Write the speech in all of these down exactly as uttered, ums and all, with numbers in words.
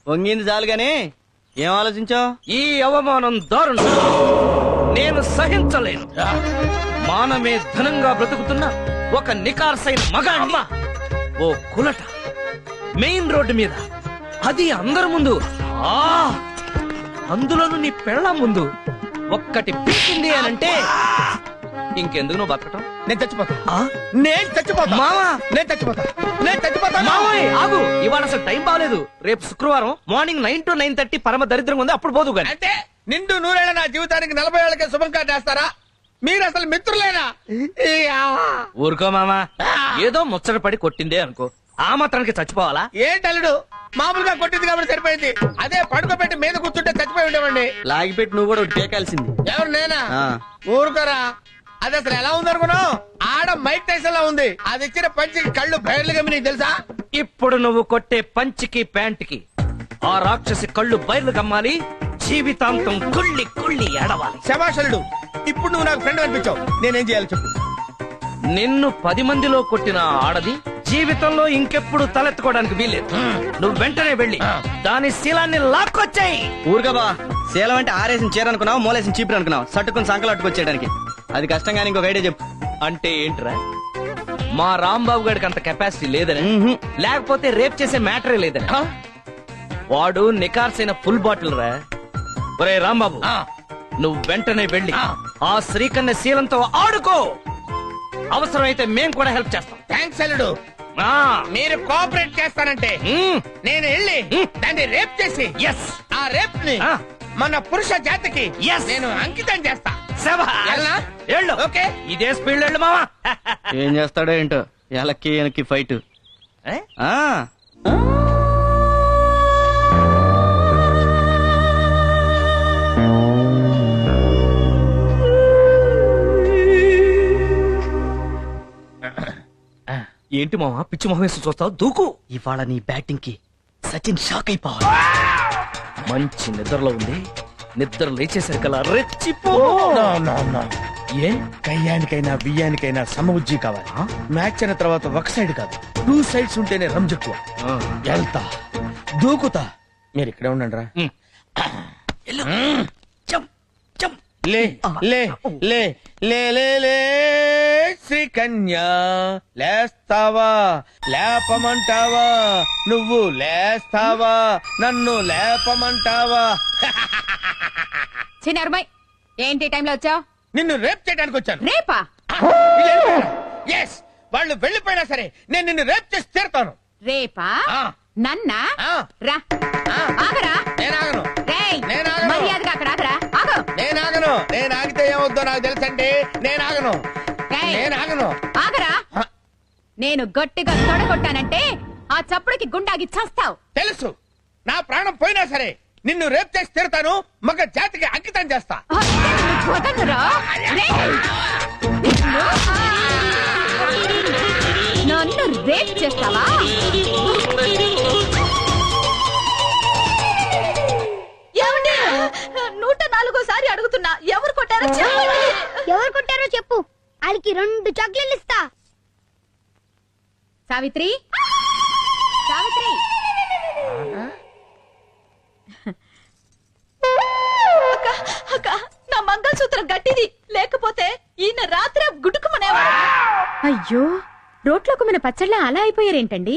వంగింది చాలు గాని ఏం ఆలోచించావు? ఈ అవమానం దారుణం, నేను సహించలేను. మానమే ధనంగా బ్రతుకుతున్న ఒక నికార్సైన మగాణ్ణి ఓ కులట మెయిన్ రోడ్డు మీద, అది అందరి ముందు, ఆ అందులోనూ నీ పెళ్ళ ముందు ఒక్కటి పీకింది అనంటే ఇంకెందుకు నువ్వు బతకటం? నేను చచ్చిపోతా నేను చచ్చిపోతా మావా నేను చచ్చిపోతా నేను చచ్చిపోతా మావయ్య ఆగు, ఇవాళ అసలు టైం బాగలేదు. రేపు శుక్రవారం morning nine to nine thirty పరమ దరిద్రంగా ఉంది, అప్పుడు పోదు గాని. అంటే నిండు నూరేళ్ళ నా జీవితానికి నలభై ఏళ్ళకే శుభం కార్డు వేస్తారా? మీరు అసలు మిత్రులేనా? ఊరుకో మామా, ఏదో ముచ్చట పడి కొట్టిందే అనుకో, ఆ మాత్రానికి చచ్చిపోవాలా? ఏంటల్లుడు, మామూలుగా కొట్టింది కాబట్టి సరిపోయింది. అదే పడుకోబెట్టి మీద కూర్చుంటే చచ్చిపోయి ఉండేవండి. లాగిపెట్టి నువ్వు కూడా టేకాల్సింది. ఎవరు నేనా? ఆ. ఊరుకోరా, అది అసలు ఎలా ఉందనుకున్నావు? ఆడ మైక్ టైసన్ లా ఉంది. అది ఇచ్చిన పంచికి కళ్ళు బయర్లు గమ్మి, నీకు తెలుసా? ఇప్పుడు నువ్వు కొట్టే పంచికి ప్యాంట్కి ఆ రాక్షసి కళ్ళు బయలు కమ్మాలి, జీవితాంతం కుళ్ళి కుళ్ళి ఏడవాలి. శభాషలుడు, ఇప్పుడు నువ్వు నాకు ఫ్రెండ్ అనిపించావు. నేనేం చేయాలి చెప్పు? నిన్ను పది మందిలో కొట్టిన ఆడది జీవితంలో ఇంకెప్పుడు తలెత్తుకోవడానికి వీల్లేదు. నువ్వు వెంటనే వెళ్ళి దాని శీలాన్ని లాక్కొచ్చాయి. ఊరుగా బా, శీలం అంటే ఆరేసిన చీర అనుకున్నావు, మూలేసిన చీపురు అనుకున్నావు, సట్టుకుని సంకలు అట్టుకొచ్చేయడానికి. అది కష్టం కానీ ఇంకొక ఐడియా చెప్పు. అంటే ఏంట్రా, మా రాంబాబు గారికి అంత కెపాసిటీ లేదని, లేకపోతే రేప్ చేసే మ్యాటరే లేదని? వాడు నికార్సైన ఫుల్ బాటిల్ రా. ఒరే రాంబాబు, నువ్వు వెంటనే వెళ్ళి ఆ శ్రీకన్య శీలంతో ఆడుకో. అవసరమైతే మేం కూడా హెల్ప్ చేస్తాం. థ్యాంక్స్ అల్లుడు. మీరు కోఆపరేట్ చేస్తానంటే నేను వెళ్ళి దాన్ని రేప్ చేసి ఆ రేప్ ని మన పురుష జాతికి నేను అంకితం చేస్తా. ఓకే, ఇదే స్పీడ్ వెళ్ళు మావా. ఏం చేస్తాడో ఏంటో, ఎలక్కి వెనక్కి ఫైట్. ఏంటి మావా పిచ్చి మొహం వేసి చూస్తావు? దూకు. ఇవాళ నీ బ్యాటింగ్ కి సచిన్ షాక్ అయిపోవాలి. మంచి నిద్రలో ఉంది, నిద్ర లేచేసరికలా రెచ్చిపో. ఏ కయ్యానికైనా బియ్యానికైనా సమబుజ్జి కావాలి. మ్యాచ్ అయిన తర్వాత ఒక సైడ్ కాదు, టూ సైడ్స్ ఉంటేనే రంజెక్కువ. వెళ్తా, దూకుతా. మీరు ఇక్కడే ఉండండి రా. లే లే లే లే లే లే శ్రీకన్యా, లేస్తావా లేపమంటావా? నువ్వు లేస్తావా నన్ను లేపమంటావా? చిన్నరుమై, ఏంటి టైంలో వచ్చావు? నిన్ను రేప్ చేయడానికి వచ్చాను. రేపా? ఎస్, వాళ్ళు వెళ్ళిపోయినా సరే నేను నిన్ను రేప్ చేసి తీరుతాను. రేపా? నన్నా? ఆ. రా. ఆగరా. నేను ఆగను. రేయ్, నేను ఆగను. మర్యాదగా అక్కడ ఆగరా. ఆగు. నేను ఆగను. నేను ఆగితే ఏమవుద్దో నాకు తెలుసండి. నేను ఆగను. రేయ్, నేను ఆగను. ఆగరా. నేను గట్టిగా తొడగొట్టానంటే ఆ చప్పుడుకి గుండాగి చస్తావు. తెలుసు, నా ప్రాణం పోయినా సరే నిన్ను రేప్ చేసి తీరుతాను. మగ జాతికి అంకితం చేస్తా. వదలరా. రేయ్, నన్ను రేప్ చేస్తావా? ఏమండి, నూట నాలుగోసారి అడుగుతున్నా, ఎవరు కొట్టారో చెప్పండి. ఎవరు కొట్టారో చెప్పు, వాళ్ళకి రెండు చాక్లెట్లు ఇస్తా. సావిత్రి, సావిత్రి. అక్క, అక్క, నా మంగళసూత్రం గట్టిది, లేకపోతే ఈయన రాత్రి గుడుకుమనేవాడు. అయ్యో, రోట్లోకి మన పచ్చళ్ళ అలా అయిపోయారేంటండి?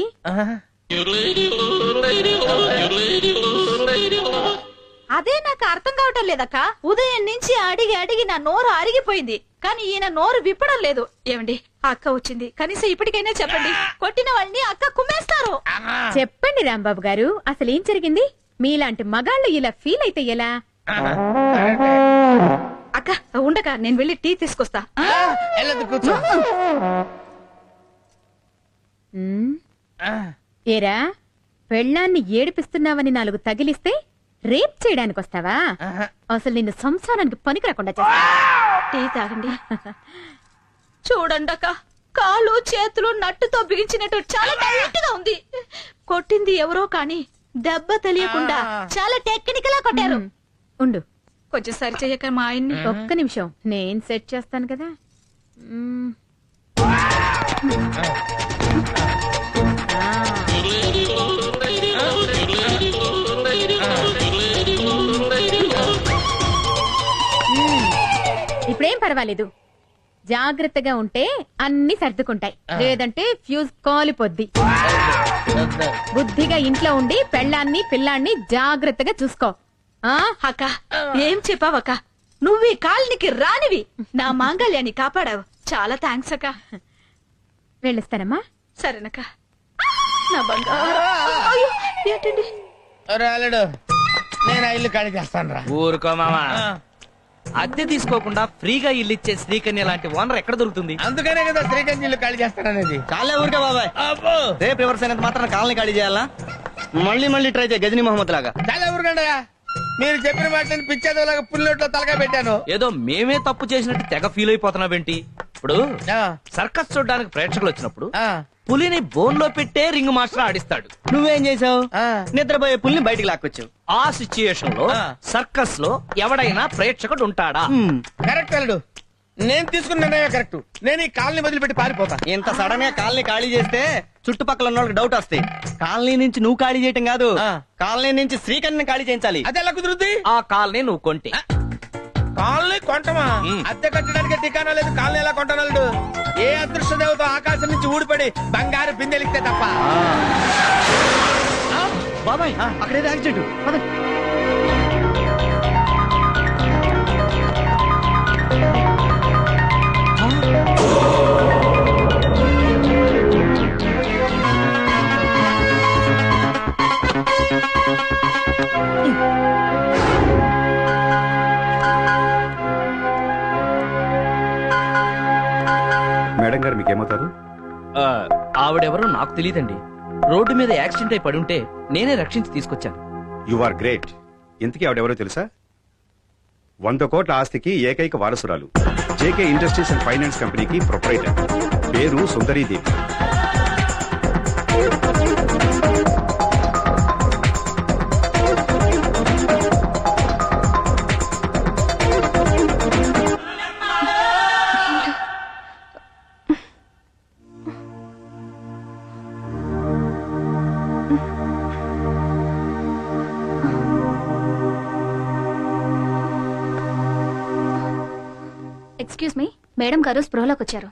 అదే నాకు అర్థం కావటం లేదక్క. ఉదయం నుంచి అడిగి అడిగి నా నోరు అరిగిపోయింది, కానీ ఈయన నోరు విప్పడం లేదు. ఏమండి, అక్క వచ్చింది, కనీసం ఇప్పటికైనా చెప్పండి. కొట్టిన వాళ్ళని అక్క కుమ్మేస్తారు. చెప్పండి రాంబాబు గారు, అసలు ఏం జరిగింది? మీలాంటి మగాళ్ళు ఇలా ఫీల్ అయితే ఎలా? అక్క ఉండక నేను వెళ్ళి టీ తీసుకొస్తా. కూర్చో. ఏరా, పెళ్ళాన్ని ఏడిపిస్తున్నావని నాలుగు తగిలిస్తే రేప్ చేయడానికి వస్తావా? అసలు నిన్ను సంసారానికి పనికి రాకుండా చేస్తా. టీ తాగండి. చూడండి అక్క, కాళ్ళు చేతులు నట్టుతో బిగించినట్టు చాలా టైట్ గా ఉంది. కొట్టింది ఎవరో కానీ దెబ్బ తెలియకుండా చాలా టెక్నికల్ గా కొట్టారు. ఉండు, కొంచెం సరి చెయ్యక మా ఆయన్ని. ఒక్క నిమిషం, నేను సెట్ చేస్తాను కదా. పర్వాలేదు. జాగ్రత్తగా ఉంటే అన్ని సర్దుకుంటాయి, లేదంటే ఫ్యూజ్ కాలిపోద్ది. బుద్ధిగా ఇంట్లో ఉండి పెళ్ళాన్ని పిల్లాన్ని జాగ్రత్తగా చూసుకో. ఆ అక్క ఏం చెప్పావక్క, నువ్వు ఈ కాలనికి రానివి నా మాంగళ్యాన్ని కాపాడావు. చాలా థ్యాంక్స్ అక్క. వెళ్ళిస్తానమ్మా. సరేనక్క. నా బంగారు అయ్యో, ఏంటండి రాలేడు, నేను ఆ ఇల్లు ఖాళీ చేస్తాను రా. ఊరుకో మామా, అద్దె తీసుకోకుండా ఫ్రీగా ఇల్లు ఇచ్చే శ్రీకన్య లాంటి ఓనర్ ఎక్కడ దొరుకుతుంది? అందుకనే కదా శ్రీకాంత్ ఇల్లు ఖాళీ చేస్తాననేది. చాలే ఊరికే బాబాయ్, అబ్బో రేపు రివర్స్ అయినంత మాత్రం కాలనీ ఖాళీ చేయాలా? మళ్ళీ మళ్ళీ ట్రై చేయ గజనీ మహమ్మద్ లాగా. చాలా ఊరుకండయా, మీరు చెప్పిన మాటలను పిచ్చేదోలాగా పుల్లొట్లో తలగా పెట్టాను. ఏదో మేమే తప్పు చేసినట్టు తెగ ఫీల్ అయిపోతున్నావేంటి? ఇప్పుడు సర్కస్ చూడడానికి ప్రేక్షకులు వచ్చినప్పుడు ఆ, పులిని బోన్ లో పెట్టే రింగ్ మాస్టర్ ఆడిస్తాడు. నువ్వేం చేసావు? ఆ. నిద్రపోయే పుల్ని బయటికి లాక్కొచ్చావు. ఆ సిచ్యుయేషన్ లో ఆ. సర్కస్ లో ఎవడైనా ప్రేక్షకుడు ఉంటాడా? హ్మ్. కరెక్ట్ అల్లుడు, నేను తీసుకున్న నిర్ణయం కరెక్ట్. నేను ఈ కాలనీ వదిలిపెట్టి పారిపోతా. ఇంత సడన్ గా కాలనీ ఖాళీ చేస్తే చుట్టుపక్కల ఉన్న వాళ్ళకి డౌట్ వస్తాయి. కాలనీ నుంచి నువ్వు ఖాళీ చేయటం కాదు, ఆ. కాలనీ నుంచి శ్రీకన్యని ఖాళీ చేయించాలి. అది ఎలా కుదురుద్ది? ఆ కాల్ని నువ్వు కొంటే కాలనీ కొంటమా? మ్. అద్దె కట్టడానికి ఠికానా లేదు, కాలనీ ఎలా కొంటానల్లుడు? ఏ అదృష్ట దేవత ఆకాశం నుంచి ఊడిపడి బంగారు బిందెలిస్తే తప్ప. బాబాయ్ అక్కడేదో యాక్సిడెంట్. పద. మేడం గారు మీకేమవుతారు? ఆ, ఆవిడెవరో నాకు తెలియదండి. రోడ్డు మీద యాక్సిడెంట్ అయి పడుంటే నేనే రక్షించి తీసుకొచ్చాను. You are great. ఇంతకీ ఆవిడెవరో తెలుసా? వంద కోట్ల ఆస్తికి ఏకైక వారసురాలు, జేకే ఇండస్ట్రీస్ అండ్ ఫైనాన్స్ కంపెనీకి ప్రొపరైటర్, పేరు సుందరీదేవి. ఎక్స్క్యూజ్ మీ, మేడం గారు స్పృహలోకి వచ్చారు.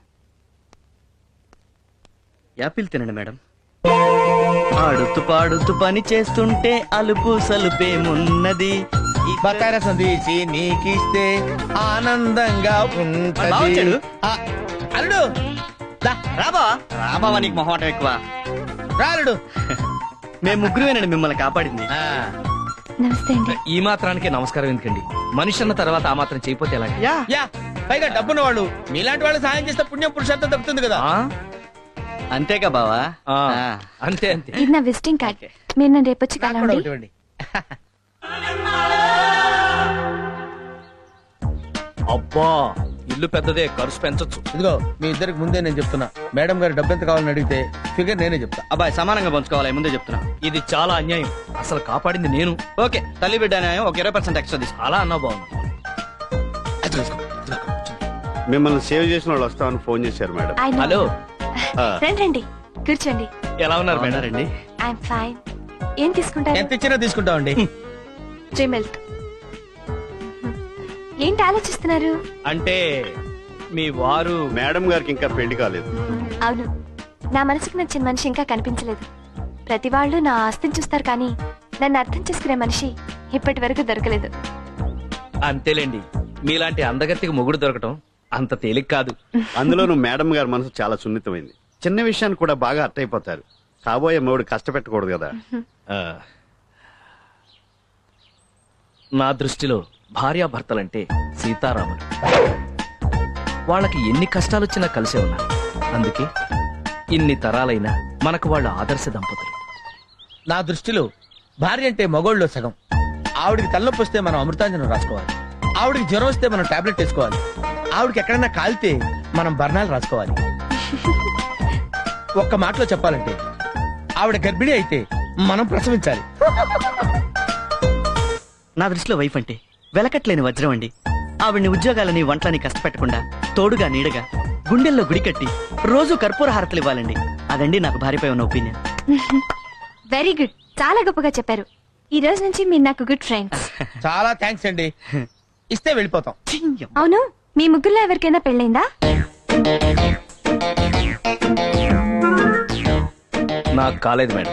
యాపిల్ తినండి మేడం. ఆడుతూ పాడుతూ పని చేస్తుంటే అలుపు సలుపేమున్నది. బకార సందేశి నీకిస్తే ఆనందంగా ఉంటది. బావొచ్చాడు. ఆ, అల్లుడు దా, రాబా రాబావా, నీకు మొహమాటం ఎక్కువ. రా అల్లుడు. మేము ముగ్గురువేనండి మిమ్మల్ని కాపాడింది. ఆ, నమస్తే అండి. ఈ మాత్రానికి నమస్కారం ఎందుకండి? మనిషి అన్న తర్వాత ఆ మాత్రం చేయపోతే ఎలా? యా యా, పైగా డబ్బున్న వాళ్ళు మీలాంటి వాళ్ళు సాయం చేస్తే పుణ్యం పురుషార్థం దక్కుతుంది కదా. ఆ? అంతేగా బావా. ఆ, ఆ. అంతే అంతే. ఇది నా విజిటింగ్ కార్డ్. మీరు నన్ను రేపు వచ్చి నాకు కూడా కలవండి. ఒకటి ఇవ్వండి. అబ్బా, ఇల్లు పెద్దదే, ఖర్చు పెంచొచ్చు. ఇదిగో మీ ఇద్దరికి ముందే నేను చెప్తున్నా, మేడం గారు డబ్బు ఎంత కావాలని అడిగితే ఫిగర్ నేనే చెప్తా. అబ్బాయి సమానంగా పంచుకోవాలి, ముందే చెప్తున్నా. ఇది చాలా అన్యాయం. అసలు కాపాడింది నేను. ఓకే, తల్లి బిడ్డ న్యాయం ఒక ఇరవై పర్సెంట్ ఎక్స్ట్రా తీసుకో. అలా అన్నా బాగుంది. మిమ్మల్ని సేవ్ చేసిన వాళ్ళు వస్తామని ఫోన్ చేశారు మేడం. I know. హలో, ఆ, రండి రండి, కూర్చోండి. ఎలా ఉన్నారు మేడం? రండి. I'm fine. ఏం తీసుకుంటారు? ఎంత ఇచ్చినా తీసుకుంటామండి. Three milk. ఏంటి ఆలోచిస్తున్నారు? అంటే మీ వారు మేడం గారికి ఇంకా పెళ్లి కాలేదు. అవును, నా మనసుకు నచ్చిన మనిషి ఇంకా కనిపించలేదు. ప్రతి వాళ్ళు నా ఆస్తిని చూస్తారు, కానీ నన్ను అర్థం చేసుకునే మనిషి ఇప్పటి వరకు దొరకలేదు. అంతేలేండి, మీలాంటి అందగత్తికి మొగుడు దొరకటం అంత తేలిక కాదు. అందులోనూ మేడం గారి మనసు చాలా సున్నితమైంది. చిన్న విషయాన్ని కూడా బాగా అర్థైపోతారు. కాబోయే మూడు కష్టపెట్టకూడదు కదా. ఆ, నా దృష్టిలో భార్యాభర్తలంటే సీతారాములు. వాళ్ళకి ఎన్ని కష్టాలొచ్చినా కలిసే ఉన్నారు. అందుకే ఇన్ని తరాలైనా మనకు వాళ్ళ ఆదర్శ దంపతులు. నా దృష్టిలో భార్య అంటే మగోళ్ళలో సగం. ఆవిడికి తలనొప్పి వస్తే మనం అమృతాంజనం రాసుకోవాలి, ఆవిడికి జ్వరం వస్తే మనం టాబ్లెట్ వేసుకోవాలి, ఆవిడకి ఎక్కడైనా కాలితే మనం బర్ణాలు రాసుకోవాలి. ఒక్క మాటలో చెప్పాలంటే ఆవిడ గర్భిణి అయితే మనం ప్రసవించాలి. నా దృష్టిలో వైఫ్ అంటే వెలకట్లేని వజ్రం అండి. ఆవిడ్ని ఉద్యోగాలని వంటలని కష్టపెట్టకుండా తోడుగా నీడగా గుండెల్లో గుడి కట్టి రోజు కర్పూర హారతలు ఇవ్వాలండి. అదండి నాకు భార్యపై ఉన్న ఒపీనియన్. వెరీ గుడ్, చాలా గొప్పగా చెప్పారు. ఈ రోజు నుంచి మీరు నాకు గుడ్ ఫ్రెండ్స్. చాలా థ్యాంక్స్ అండి. ఇస్తే వెళ్ళిపోతాం. అవును, మీ ముగ్గురులో ఎవరికైనా పెళ్ళైందా? నాకు కాలేదు మేడం.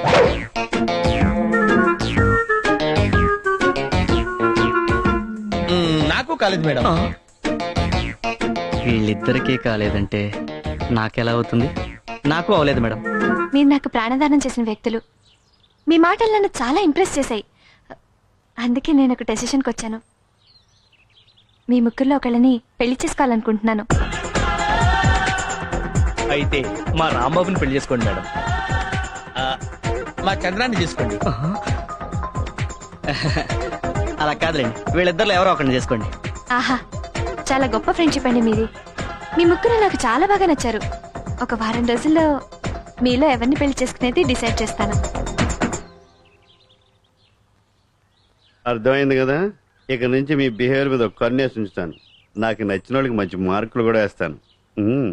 మ్మ్, నాకు కాలేదు మేడం. వీళ్ళిద్దరికీ కాలేదంటే నాకెలా అవుతుంది? నాకు అవలేదు మేడం. మీరు నాకు ప్రాణదానం చేసిన వ్యక్తులు. మీ మాటలు నన్ను చాలా ఇంప్రెస్ చేశాయి. అందుకే నేను ఒక డెసిషన్కి వచ్చాను. మీ ముగ్గురులో ఒకళ్ళని పెళ్లి చేసుకోవాలనుకుంటున్నాను. అయితే మా రాంబాబుని పెళ్లి చేసుకోండి మేడం. ఆ, మా చంద్రాన్ని తీసుకోండి. అలా కాదులేండి, వీళ్ళిద్దరిలో ఎవరో ఒకరిని చేసుకోండి. ఆహా, చాలా గొప్ప ఫ్రెండ్షిప్ అండి మీది. మీ ముగ్గురు నాకు చాలా బాగా నచ్చారు. ఒక వారం రోజుల్లో మీలో ఎవరిని పెళ్లి చేసుకునేది డిసైడ్ చేస్తాను. అర్థమైంది కదా. ఇక నుంచి మీ బిహేవియర్ మీద ఒక కన్నేసి ఉంచుతాను. నాకు నచ్చిన వాళ్ళకి మంచి మార్కులు కూడా వేస్తాను. ఉమ్.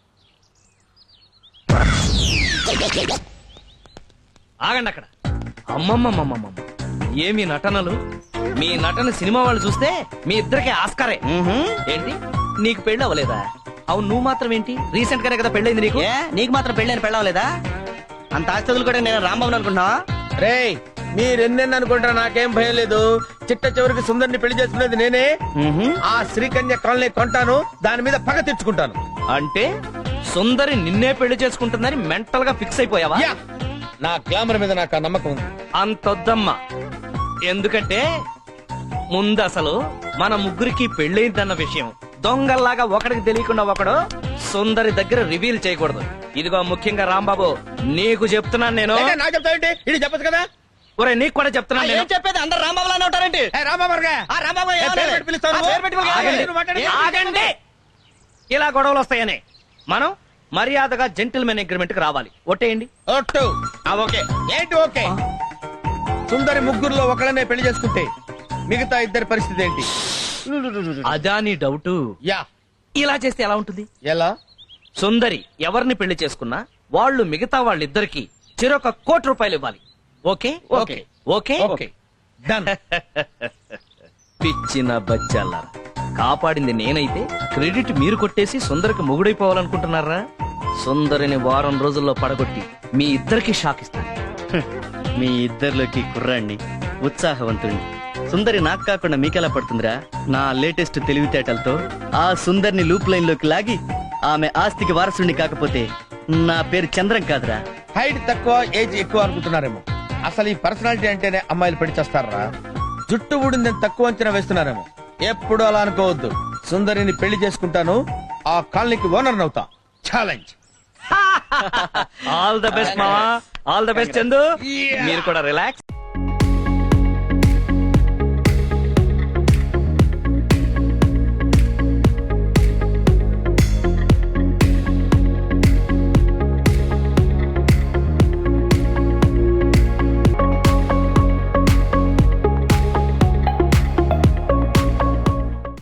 ఆగండి అక్కడ. అమ్మమ్మమ్మమ్మమ్మ, ఏమి నటనలు! మీ నటన సినిమా వాళ్ళు చూస్తే మీ ఇద్దరికి ఆస్కారే. ఏంటి, నీకు పెళ్ళి అవ్వలేదా? అవును, నువ్వు మాత్రం ఏంటి, రీసెంట్ గానే కదా పెళ్ళైంది నీకు. ఏ నీకు మాత్రం పెళ్ళని పెళ్ళవలేదా? అంత ఆస్తులు కూడా నేను రాంబాబుని అనుకుంటున్నావా? రేయ్, మీరెన్నెన్ని అనుకుంటారా, నాకేం భయం లేదు. చిట్ట చివరికి సుందరిని పెళ్లి చేసుకునేది నేనే. ఆ శ్రీకన్య కాలనీ కొంటాను, దాని మీద పగ తెచ్చుకుంటాను. అంటే సుందరి నిన్నే పెళ్లి చేసుకుంటుందని మెంటల్ గా ఫిక్స్ అయిపోయావా? యా, నా గ్లామర్ మీద నాకు ఆ నమ్మకం ఉంది. అంతొద్దమ్మా. ఎందుకంటే ముందు అసలు మన ముగ్గురికి పెళ్ళైందన్న విషయం దొంగల్లాగా ఒకడికి తెలియకుండా ఒకడు సుందరి దగ్గర రివీల్ చేయకూడదు. ఇదిగో ముఖ్యంగా రాంబాబు, నీకు చెప్తున్నాను నేను. ఏంటి, నాకు చెప్తావేంటి? ఇది చెప్పచ్చు కదా. ఒరే, నీకు కూడా చెప్తున్నాను నేను. ఏం చెప్పేది? అందరు రాంబాబులానే ఉంటారేంటి? ఏ, రామావర్గా. ఆ రాంబాబు ఏ, ఏమనాలి? పేరు పెట్టి పిలుస్తావు ఆ నువ్వు? పేరు పెట్టి పిలుస్తావు. ఆగండి. ఆగండి. నువ్వు మాట్లాడేది. ఆగండి. ఇలా గొడవలు వస్తాయని మనం మర్యాదగా జెంటిల్మెన్ అగ్రిమెంట్ కి రావాలి. ఒట్టేయండి. ఒట్టు. ఆ, ఓకే. ఏంటి ఓకే? సుందరి ముగ్గురులో ఒకళ్ళనే పెళ్లి చేసుకుంటే మిగతా ఇద్దరి పరిస్థితి ఏంటి? అదా నీ డౌట్? యా. ఇలా చేస్తే ఎలా ఉంటుంది? ఎలా? సుందరి ఎవరిని పెళ్లి చేసుకున్నా వాళ్ళు మిగతా వాళ్ళిద్దరికి చెరొక కోటి రూపాయలు ఇవ్వాలి. Okay okay. Okay okay. Done. పిచ్చిన బచ్చాలారా, కాపాడింది నేనైతే క్రెడిట్ మీరు కొట్టేసి సుందరికి మొగుడైపోవాలనుకుంటున్నారా? సుందరిని వారం రోజుల్లో పడగొట్టి మీ ఇద్దరికి షాక్ ఇస్తాను. మీ ఇద్దరిలోకి కుర్రాణ్ణి, ఉత్సాహవంతుణ్ణి. సుందరి నాకు కాకుండా మీకెలా పడుతుందిరా? నా లేటెస్ట్ తెలివితేటలతో ఆ సుందరిని లూప్ లైన్ లోకి లాగి ఆమె ఆస్తికి వారసుని కాకపోతే నా పేరు చంద్రం కాదురా. హైట్ తక్కువ, ఏజ్ ఎక్కువ అనుకుంటున్నారేమో. అసలు ఈ పర్సనాలిటీ అంటేనే అమ్మాయిలు పెళ్లి చేస్తారా? జుట్టు ఊడిందని తక్కువ అంచనా వేస్తున్నారేమో. ఎప్పుడు అలా అనుకోవద్దు. సుందరిని పెళ్లి చేసుకుంటాను, ఆ కాలనీకి ఓనర్ అవుతా. ఛాలెంజ్. ఆల్ ద బెస్ట్ మావా, ఆల్ ద బెస్ట్ చందు. మీరు కూడా రిలాక్స్.